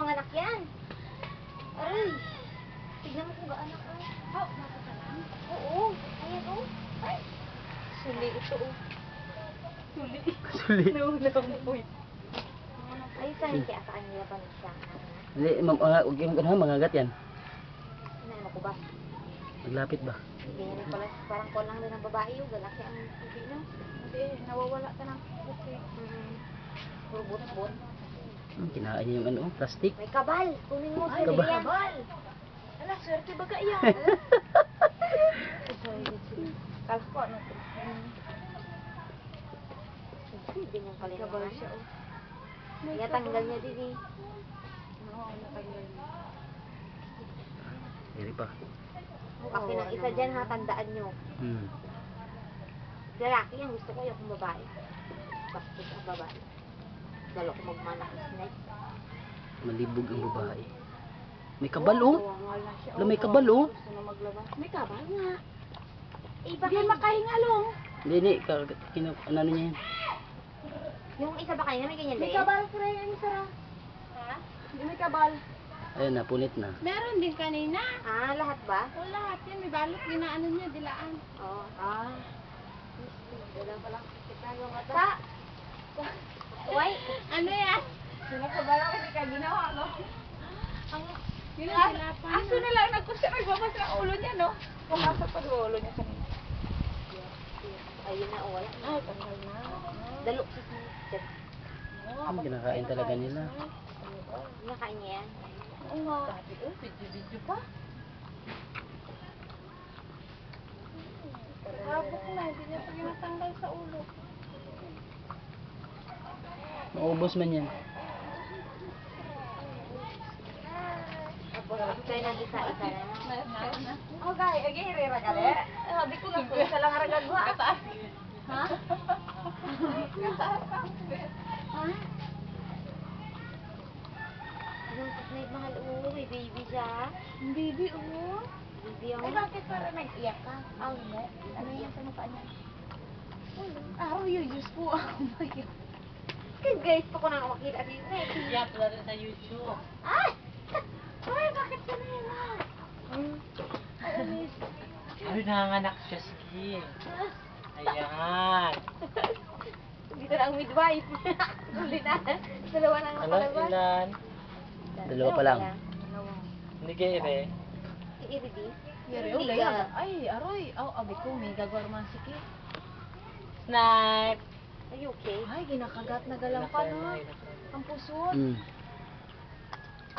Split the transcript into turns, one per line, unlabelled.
manganak yan. Aray. Tignan mo kung gaano ka.
Oh, bata ka lang?
Oo. Ayan o. Ay. Suli ito o. Suli.
Suli.
Naunamoy. Ay, saan kaya sa kanila pa siya?
Hindi, huwag yung mangagat yan.
Ano ko ba?
Maglapit ba?
Hindi rin pala. Parang ko lang din ang babae yung galaki ang tubig no?
Hindi, nawawala ka ng puti.
Puro bot-bot.
Kinain niya yung ano, plastic.
May kabal. Kunin mo sa
Kabal.
yan.
Kabal! Ala, swerte ba ka yan? Kala ko ano ito?
Hindi niyang pala
Kabal siya oh.
Kaya tanggal niya din eh.
Oo, natanggal niya.
Hindi pa.
Kasi ng isa dyan ha, tandaan nyo. Lalaki yan, gusto ko yung babae. Bastos ang babae. Dalo ko magmanak ng snake.
Malibog ang babae. May kabal oh.
Tuwangal na siya.
Wala, may kabal oh.
Gusto na maglabas. May kabal nga.
Eh,
Hindi
baka
makahingalong.
Hindi, ano niya yan.
yung isa ba kanina may ganyan
May
din?
kabal ko rin yung sarang. Ha? Hindi may kabal.
Ayun, napunit na.
Meron din kanina.
Ah, lahat ba?
O lahat yan, may balot, ginaano niya, dilaan.
Oo.
Ah.
Wala pa lang kita yung mata. Uy!
Ano yan?
Sinakabala ko hindi ka ginawa, no?
Ang, yun ang silapan.
Aso na lang nagkusya, nagbabas ng ulo niya, no? Pumasok pa yung ulo niya kanina. Ayun na, wala.
Ay, tanggal na.
Dalo si Snake.
Ang kinakain talaga nila.
Nakain niya yan.
Oo nga. Sabi, oh, video-video pa. Habok na, hindi niya pa ginatanggal sa ulo.
Maubos man yan.
Kaya nang isa-isa na.
Oh, guys, again, re-ragali. Sabi ko lang, isa lang aragagwa. Kataas. Ha? Kataas. Ha?
Yung Snake mahal, oo, may baby siya.
Baby, oh.
Baby ang...
Ay, bakit parang nag-iyak ka? Oh, hindi. Ano yan sa mukha niya? Araw yun, Diyos ko. Oh my God.
Kaya guys, pa ko na makita si Snake.
Yeah, pala rin sa YouTube.
Ay! Ay, bakit ka na yun ah?
Ay, nanganganak siya, sige. Ayan.
Dito na ang midwife. Uli na. Dalawa na ang
Ano,
palabas.
ilan?
Dalawa pa lang.
Dalawa.
Hindi kayo ire.
I-ready?
Yari,
Hindi
ulay.
ka.
Ay, aroy. Oh, abi ko, may gagawar sige.
Snipe!
Are you okay?
Ay, ginakagat na galang pa no. Ang pusot.